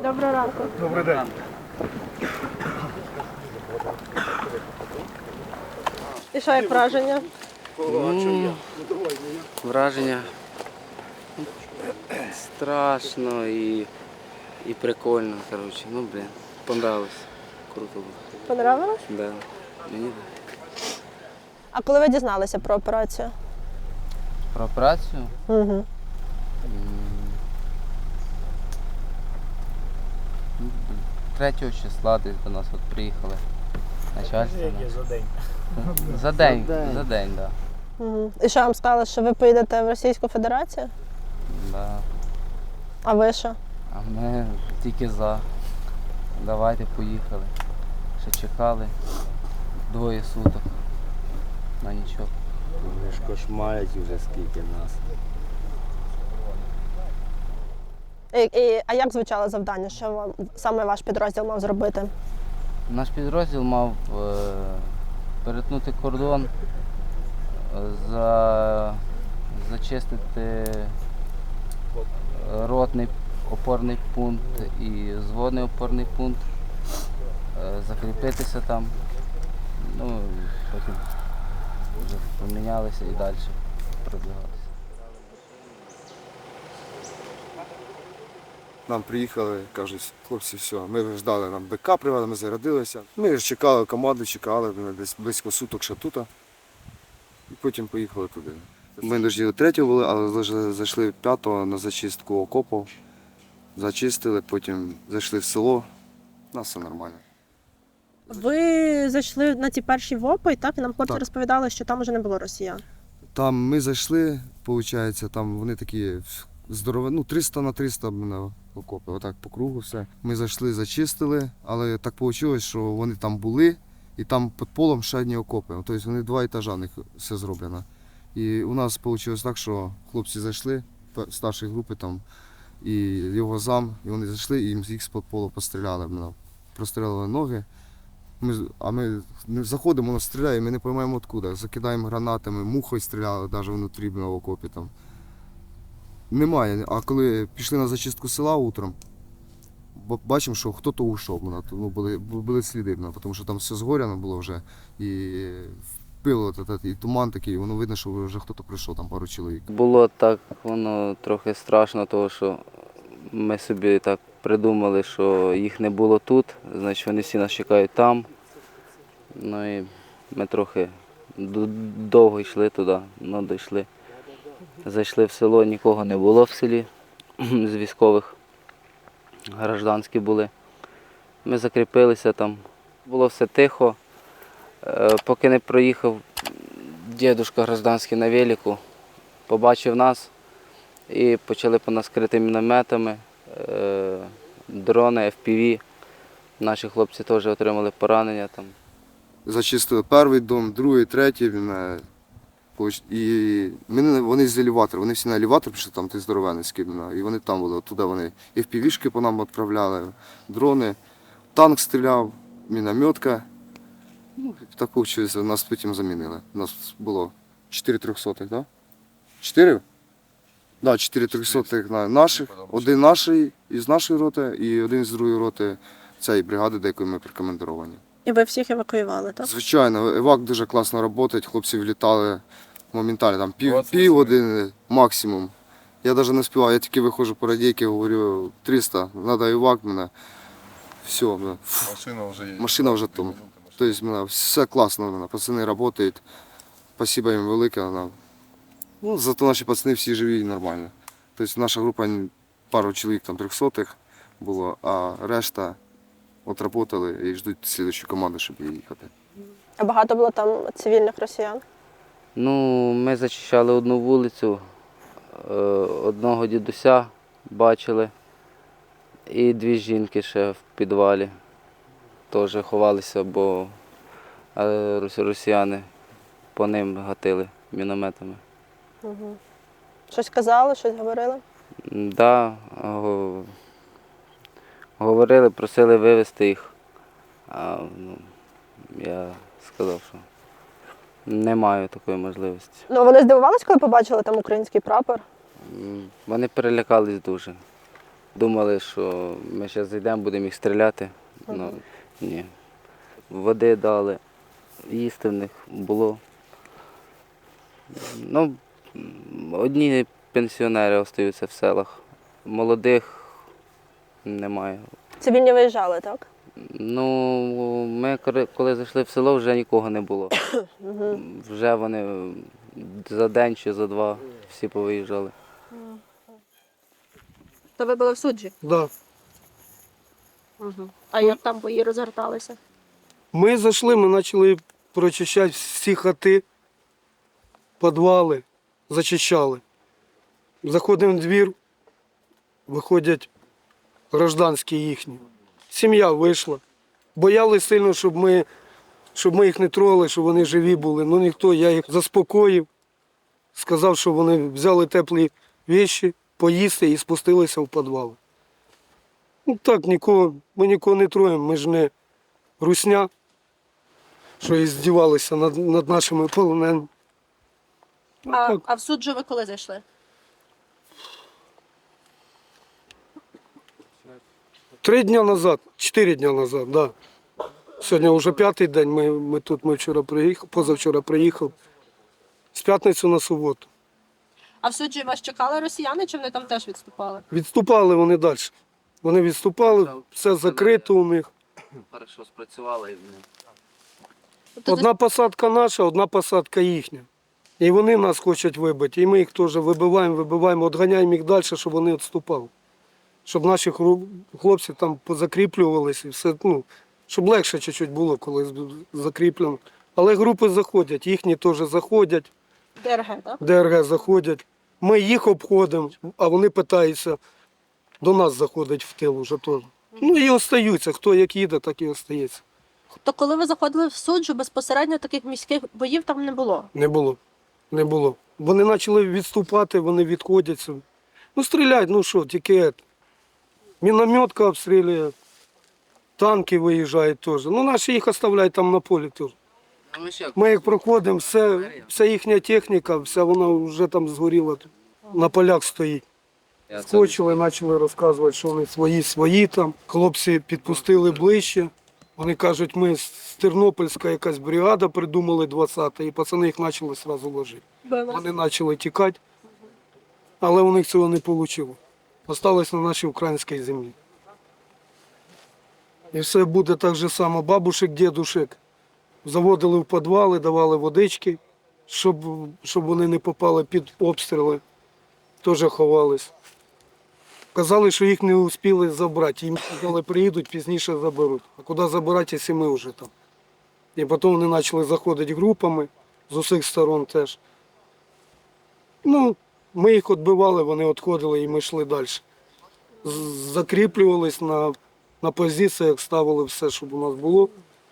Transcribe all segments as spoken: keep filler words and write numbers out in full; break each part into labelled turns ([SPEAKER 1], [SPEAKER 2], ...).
[SPEAKER 1] Доброго ранку.
[SPEAKER 2] Добрий день.
[SPEAKER 1] І що, як враження?
[SPEAKER 3] Ну, враження страшно і, і прикольно, коротше. Ну, блін, понравилось. Круто було.
[SPEAKER 1] Понравилось?
[SPEAKER 3] Да. Мені так.
[SPEAKER 1] А коли ви дізналися про операцію?
[SPEAKER 3] Про операцію?
[SPEAKER 1] Угу.
[SPEAKER 3] Третього числа десь до нас от приїхали. Начальство.
[SPEAKER 2] За день.
[SPEAKER 3] За день, за день, так. Да.
[SPEAKER 1] Угу. І що вам сказали, що ви поїдете в Російську Федерацію?
[SPEAKER 3] Да.
[SPEAKER 1] А ви що?
[SPEAKER 3] А ми тільки за. Давайте поїхали. Ще чекали двоє суток. На нічого.
[SPEAKER 4] Вони ж кошмарять вже скільки нас.
[SPEAKER 1] І, і, а як звучало завдання? Що вам саме ваш підрозділ мав зробити?
[SPEAKER 3] Наш підрозділ мав е, перетнути кордон, е, за, зачистити ротний опорний пункт і зводний опорний пункт, е, закріпитися там, ну і потім вже помінялися і далі продвигалися.
[SPEAKER 5] Нам приїхали, кажуть, хлопці, все, ми ждали, нам БК привели, ми зарядилися. Ми ж чекали команду, чекали, десь близько суток ще тут. І потім поїхали туди. Ми дожділи третього були, але зайшли п'ятого на зачистку окопів. Зачистили, потім зайшли в село. У нас все нормально.
[SPEAKER 1] Ви зайшли на ті перші ВОПи, так? І нам хлопці
[SPEAKER 5] Так.
[SPEAKER 1] розповідали, що там вже не було росіян.
[SPEAKER 5] Там ми зайшли, виходить, там вони такі здорові, ну триста на триста на окопи, отак по кругу все. Ми зайшли, зачистили, але так вийшло, що вони там були, і там під полом ще одні окопи. Тобто вони два етажа, в них все зроблено. І у нас вийшло так, що хлопці зайшли, старшої групи там, і його зам, і вони зайшли, і їм їх з-під полу постріляли, прострілили ноги. Ми, а ми заходимо, воно стріляє, ми не розуміємо откуда. Закидаємо гранатами, мухою стріляли, навіть внутрі в окопі там. Немає. А коли пішли на зачистку села утром, бачимо, що хтось ушов. Ну, були, були сліди, тому що там все згоряно було вже. І пило, і туман такий, воно видно, що вже хтось прийшов, там пару чоловік.
[SPEAKER 3] Було так, воно трохи страшно, тому що ми собі так придумали, що їх не було тут, значить вони всі нас чекають там. Ну і ми трохи довго йшли туди, ну дійшли. Зайшли в село, нікого не було в селі з військових, гражданські були. Ми закріпилися там, було все тихо. Поки не проїхав дідушка гражданський на велику, побачив нас і почали по нас крити мінометами, дрони, еф пі ві. Наші хлопці теж отримали поранення там.
[SPEAKER 5] Зачистили перший дом, другий, третій. І вони з елеватора, вони всі на елеватор пішли, там ти здоровенний скидано, і вони там були, туди вони еф пі вішки по нам відправляли, дрони, танк стріляв, мінометка. Ну, так вийшло, нас потім замінили. У нас було чотири трьохсотих, так? Чотири? Так, чотири трьохсотих наших, один наш із нашої роти і один з другої роти цієї бригади, до якої ми прикомандировані.
[SPEAKER 1] І ви всіх евакуювали, так?
[SPEAKER 5] Звичайно, евак дуже класно працює, хлопці влітали моментально, там пів, пів години максимум. Я навіть не співав, я тільки виходжу по радійки, говорю триста, треба евак, мене. Все, мене.
[SPEAKER 6] Машина вже є.
[SPEAKER 5] Машина вже там. Тобто мене, все класно, мене. Пацани працюють, спасибо їм велике. Мене. Ну, зато наші пацани всі живі і нормально. Тобто наша група, пару чоловік там трьохсотих було, а решта отработали і ждуть слідчу команду, щоб їхати.
[SPEAKER 1] А багато було там цивільних росіян?
[SPEAKER 3] Ну, ми зачищали одну вулицю, одного дідуся бачили і дві жінки ще в підвалі. Теж ховалися, бо росіяни по ним гатили мінометами.
[SPEAKER 1] Угу. Щось казали, щось говорили?
[SPEAKER 3] Так, да, говорили, просили вивезти їх. А, ну, я сказав, що не маю такої можливості.
[SPEAKER 1] Ну, вони здивувалися, коли побачили там український прапор?
[SPEAKER 3] Вони перелякались дуже. Думали, що ми зараз зайдемо, будемо їх стріляти. Ну, ні. Води дали, їсти в них було. Ну, одні пенсіонери залишаються в селах, молодих немає.
[SPEAKER 1] Цивільні виїжджали, так?
[SPEAKER 3] Ну, ми коли- коли зайшли в село, вже нікого не було. Вже вони за день чи за два всі повиїжджали.
[SPEAKER 1] То ви були в суджі?
[SPEAKER 2] Да.
[SPEAKER 1] А як там бої розгорталися?
[SPEAKER 2] Ми зайшли, ми почали прочищати всі хати, підвали, зачищали. Заходимо в двір, виходять гражданські їхні. Сім'я вийшла. Боялись сильно, щоб ми, щоб ми їх не трогали, щоб вони живі були. Ну ніхто, я їх заспокоїв, сказав, що вони взяли теплі речі, поїсти і спустилися в підвал. Ну так, нікого, ми нікого не троємо, ми ж не русня, що і здівалися над, над нашими полоненими. Ну,
[SPEAKER 1] А,
[SPEAKER 2] так.
[SPEAKER 1] а в суджу ви коли зайшли?
[SPEAKER 2] Три дні назад, чотири дні назад, да. Сьогодні вже п'ятий день, ми, ми тут, ми вчора приїхали, позавчора приїхав. З п'ятниці на суботу.
[SPEAKER 1] А в суджі вас чекали росіяни, чи вони там теж відступали?
[SPEAKER 2] Відступали вони далі. Вони відступали, все закрито у них.
[SPEAKER 3] Хорошо спрацювали.
[SPEAKER 2] Одна посадка наша, одна посадка їхня. І вони нас хочуть вибити, і ми їх теж вибиваємо, вибиваємо, відганяємо їх далі, щоб вони відступали. Щоб наші хру- хлопці там позакріплювалися, і все, ну, щоб легше чуть-чуть було, коли з- закріплено. Але групи заходять, їхні теж заходять,
[SPEAKER 1] ДРГ, так?
[SPEAKER 2] ДРГ заходять. Ми їх обходимо, а вони питаються до нас заходить в тил вже теж. Ну і остаються, хто як їде, так і остається.
[SPEAKER 1] То коли ви заходили в суджу, безпосередньо таких міських боїв там не було?
[SPEAKER 2] Не було. Не було. Вони почали відступати, вони відходяться. Ну, стріляють, ну що, тільки ет. Мінометка обстрілює, танки виїжджають теж. Ну, наші їх оставляють там на полі теж. Ми як проходимо, все, вся їхня техніка, вся вона вже там згоріла, на полях стоїть. Скочили, почали розказувати, що вони свої, свої там. Хлопці підпустили ближче. Вони кажуть, ми з Тернопільська якась бригада придумали двадцята, і пацани їх почали одразу ложити. Вони почали тікати, але у них цього не вийшло. Осталось на нашій українській землі. І все буде так же само. Бабушек, дідушек заводили в підвали, давали водички, щоб, щоб вони не попали під обстріли. Теж ховались. Казали, що їх не успіли забрати. Їм сказали, приїдуть, пізніше заберуть. А куди забирати, якщо ми вже там? І потім вони почали заходити групами з усіх сторон теж. Ну, ми їх відбивали, вони відходили і ми йшли далі. З- Закріплювались на, на позиціях, ставили все, щоб у нас було.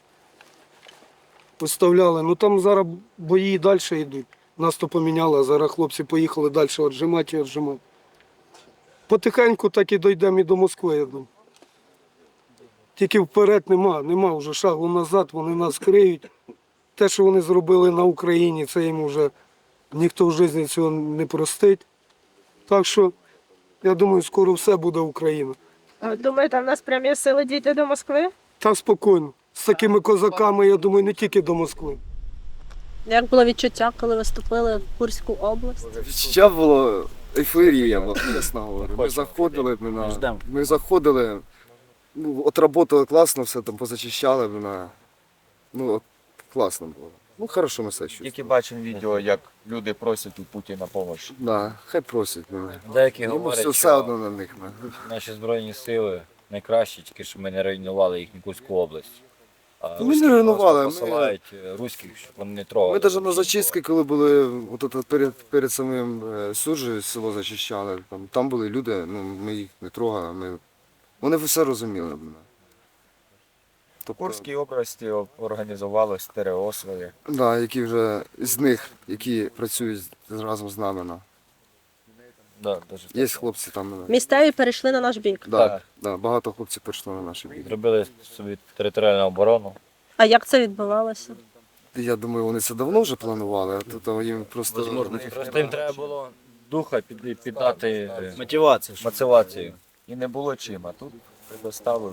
[SPEAKER 2] Виставляли. Ну там зараз бої далі йдуть. Нас то поміняли, а зараз хлопці поїхали далі віджимати і віджимати. Потихеньку так і дійдемо і до Москви, я думаю. Тільки вперед нема, нема вже шагу назад, вони нас криють. Те, що вони зробили на Україні, це їм вже ніхто в житті цього не простить. Так що, я думаю, скоро все буде Україна.
[SPEAKER 1] Думаєте, в нас прям є сили дійти до Москви?
[SPEAKER 2] Так спокійно. З такими козаками, я думаю, не тільки до Москви.
[SPEAKER 1] Як було відчуття, коли ви вступили в Курську область?
[SPEAKER 5] Відчуття було ейфорія, от, чесно говорю. Ми заходили, на, ми заходили, ну, отработали класно, все там позачищали, на, ну, от, класно було. Ну, хорошо ми все чувствуємо.
[SPEAKER 6] Тільки бачимо відео, як люди просять у Путіна допомогу.
[SPEAKER 5] Да, хай просять мене.
[SPEAKER 6] Деякі
[SPEAKER 5] Йому
[SPEAKER 6] говорять,
[SPEAKER 5] все, все
[SPEAKER 6] що
[SPEAKER 5] одно на них. на.
[SPEAKER 6] наші Збройні сили найкращі, тільки що ми не руйнували їхню Курську область. А
[SPEAKER 5] Ну, ми не
[SPEAKER 6] руські
[SPEAKER 5] руйнували,
[SPEAKER 6] просто
[SPEAKER 5] ми-
[SPEAKER 6] посилають е, руських, щоб вони не трогали.
[SPEAKER 5] Ми навіть на зачистки, коли були от, от, перед, перед самим е, Суджею село зачищали, там, там були люди, ну, ми їх не трогали, ми... вони все розуміли. блін.
[SPEAKER 6] В
[SPEAKER 5] Тобто,
[SPEAKER 6] Курській області організували СТРО своє.
[SPEAKER 5] да, які вже з них, які працюють з- разом з нами. на.
[SPEAKER 6] Да, дуже
[SPEAKER 5] Є хлопці там. на-
[SPEAKER 1] Місцеві перейшли на наш бік.
[SPEAKER 5] Да,
[SPEAKER 6] Так.
[SPEAKER 5] да, багато хлопців прийшло на наші бій.
[SPEAKER 6] Зробили собі територіальну оборону.
[SPEAKER 1] А як це відбувалося?
[SPEAKER 5] Я думаю, вони це давно вже планували, а тут їм просто.
[SPEAKER 6] Просто їм треба було духа під, піддати е,
[SPEAKER 4] Мотивація.
[SPEAKER 6] мотивацію. і не було чим, а тут предоставили.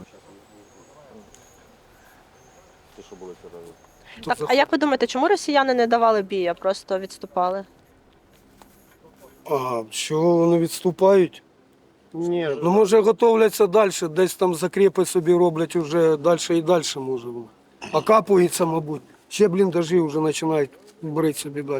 [SPEAKER 1] Так, а як ви думаєте, чому росіяни не давали бій, а просто відступали?
[SPEAKER 2] А чого вони відступають? Ні, ну може готовляться далі, десь там закріпи собі роблять вже далі і далі може. Окапуються, мабуть. Ще бліндажі вже починають брати собі далі.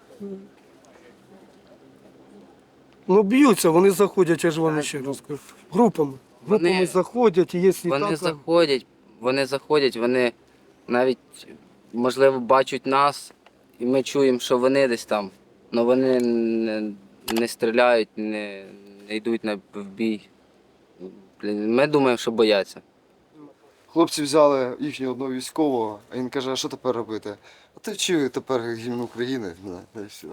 [SPEAKER 2] Ну б'ються, вони заходять, я ж вам ще раз кажу. Групами. Групами
[SPEAKER 3] Вони-
[SPEAKER 2] заходять, і якщо
[SPEAKER 3] Вони
[SPEAKER 2] так,
[SPEAKER 3] заходять, вони заходять, вони навіть, можливо, бачать нас, і ми чуємо, що вони десь там, але вони не, не стріляють, не, не йдуть на в бій. Блін, ми думаємо, що бояться.
[SPEAKER 5] Хлопці взяли їхнього одного військового, а він каже, а що тепер робити? А ти вчив тепер гімн України. Ну, та й все.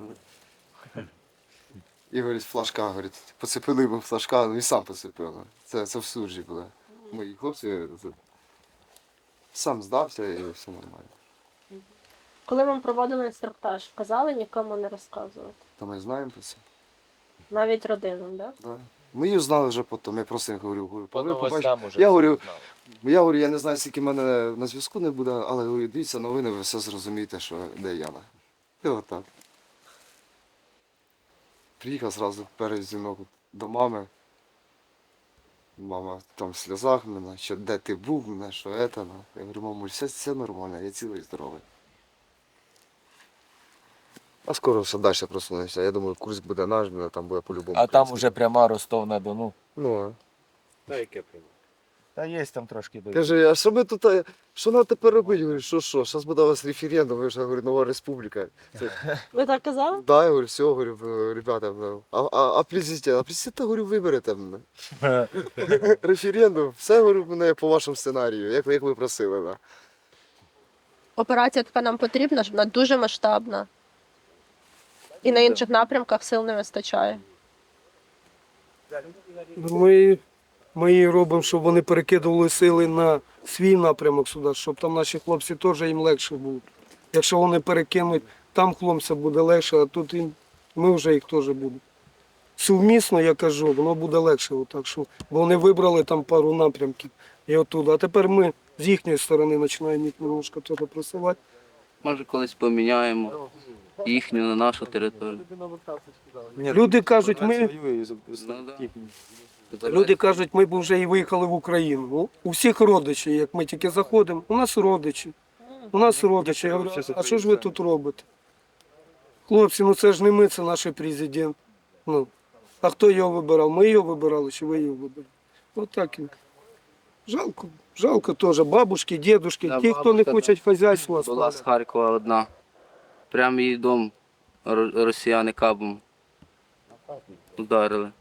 [SPEAKER 5] І говорить, флажка, говорить, поцепили йому флажка, ну і сам поцепив. Це, це в суджі було. Мої хлопці це- сам здався і все нормально.
[SPEAKER 1] Коли вам проводили інструктаж, казали нікому не розказувати?
[SPEAKER 5] Та ми знаємо про це.
[SPEAKER 1] Навіть родинам, так?
[SPEAKER 5] Да. Ми її знали вже потім, я просто їм говорю, говорю,
[SPEAKER 6] По
[SPEAKER 5] «Ви побачите».
[SPEAKER 6] новостям уже
[SPEAKER 5] Я
[SPEAKER 6] всі
[SPEAKER 5] говорю,
[SPEAKER 6] знали.
[SPEAKER 5] я говорю, я не знаю, скільки мене на зв'язку не буде, але говорю, дивіться новини, ви все зрозумієте, що де Яна. І отак. Приїхав зразу перед дзвінок до мами. Мама там в сльозах мене, що де ти був, мене, що це. Ну. Я говорю, мамуль, все, все нормально, я цілий здоровий. А скоро все далі просунемося. Я думаю, Курськ буде наш, мене там буде по-любому.
[SPEAKER 6] А там
[SPEAKER 5] український.
[SPEAKER 6] уже пряма Ростов-на-Дону.
[SPEAKER 5] Ну, а.
[SPEAKER 4] Та яке прямо?
[SPEAKER 6] Та є там трошки до.
[SPEAKER 5] Каже, а що ми тут, а, що нам тепер робити? Я говорю, що, що, зараз буде у вас референдум, ви ж, я говорю, нова республіка.
[SPEAKER 1] Ви так казали?
[SPEAKER 5] Да, я говорю, все, говорю, «Е, ребята, ну, а, а, а президент, а президента, говорю, виберете мене. Референдум, все, говорю, мене по вашому сценарію, як, ви- як ви просили. Да.
[SPEAKER 1] Операція така нам потрібна, вона дуже масштабна. І на інших напрямках сил не вистачає.
[SPEAKER 2] Ми, ми її робимо, щоб вони перекидували сили на свій напрямок сюди, щоб там наші хлопці теж їм легше було. Якщо вони перекинуть, там хлопцям буде легше, а тут їм, ми вже їх теж будемо. Сумісно, я кажу, воно буде легше. Отак, що, бо вони вибрали там пару напрямків і оттуда. А тепер ми з їхньої сторони починаємо їх немножко теж просувати.
[SPEAKER 3] Може, колись поміняємо їхню на нашу територію.
[SPEAKER 2] Люди кажуть, ми,
[SPEAKER 3] Ну, да.
[SPEAKER 2] люди кажуть, ми б вже і виїхали в Україну. Ну, у всіх родичі, як ми тільки заходимо, у нас родичі. У нас родичі. Я говорю, а що ж ви тут робите? Хлопці, ну це ж не ми, це наш президент. Ну, а хто його вибирав? Ми його вибирали чи ви його вибирали? Отак. і. Жалко, жалко теж. Бабушки, дідушки,
[SPEAKER 3] Да,
[SPEAKER 2] ті, хто не
[SPEAKER 3] бабушка,
[SPEAKER 2] хочуть хазяйства.
[SPEAKER 3] Була з Харкова одна. Прямо її дом ро- росіяни кабом ударили.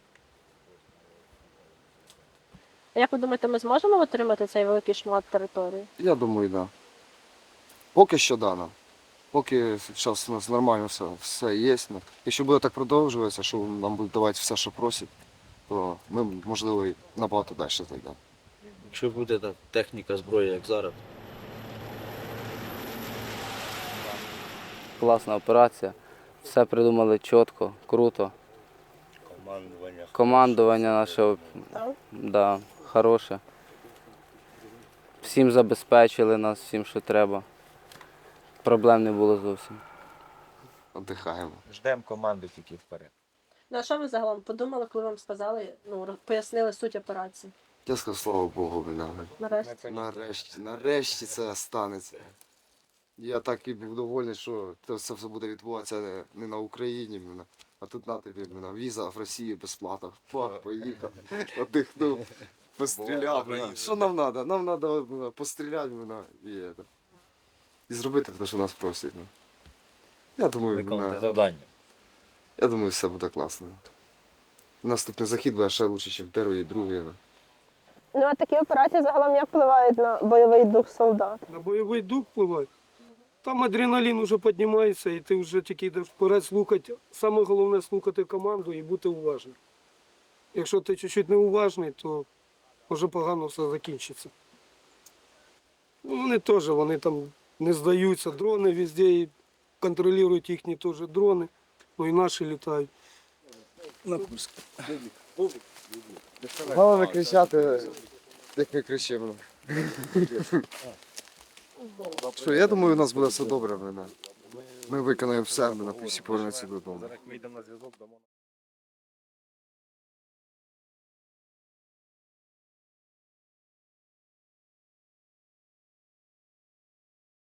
[SPEAKER 1] А як ви думаєте, ми зможемо отримати цей великий шмат території?
[SPEAKER 5] Я думаю, так. Да. Поки що да, нам. Поки зараз у нас нормально все, все є. Ну, якщо буде так продовжуватися, що нам будуть давати все, що просять, то ми, можливо, і набагато далі зайдемо.
[SPEAKER 4] Якщо буде так, техніка, зброя, як зараз,
[SPEAKER 3] Класна операція. Все придумали чітко, круто.
[SPEAKER 4] командування.
[SPEAKER 3] Командування наше
[SPEAKER 1] Так.
[SPEAKER 3] да, хороше. Всім забезпечили нас, всім, що треба. Проблем не було зовсім.
[SPEAKER 5] Віддихаємо.
[SPEAKER 6] Ждемо команди тільки вперед.
[SPEAKER 1] Ну а що ви загалом подумали, коли вам сказали, ну, роз- пояснили суть операції?
[SPEAKER 5] Я сказав, слава Богу, мене.
[SPEAKER 1] Нарешті.
[SPEAKER 5] Нарешті, нарешті це станеться. Я так і був довольний, що це все все буде відбуватися не- не на Україні, мене, а тут на тобі мене, віза в Росію безплатно. Фак, поїхав, віддихнув, постріляв. мене. Що нам треба? Нам треба постріляти мене, і, це, і зробити те, що нас просять. ну. Я думаю,
[SPEAKER 6] Виконати
[SPEAKER 5] мене,
[SPEAKER 6] завдання.
[SPEAKER 5] я думаю, все буде класно. Наступний захід буде ще краще, ніж перший і другий. ну.
[SPEAKER 1] Ну а такі операції загалом як впливають на бойовий дух солдат?
[SPEAKER 2] На бойовий дух впливає. Там адреналін вже піднімається, і ти вже тільки йдеш вперед слухати. Саме головне слухати команду і бути уважним. Якщо ти чуть-чуть неуважний, то вже погано все закінчиться. Ну, вони теж, вони там не здаються, дрони везде, і контролюють їхні теж дрони, ну і наші літають.
[SPEAKER 4] На Курськ.
[SPEAKER 5] Головне кричати, як ми кричимо. Що, я думаю, у нас буде все добре. Ми виконаємо все, ми всі повернемося додому.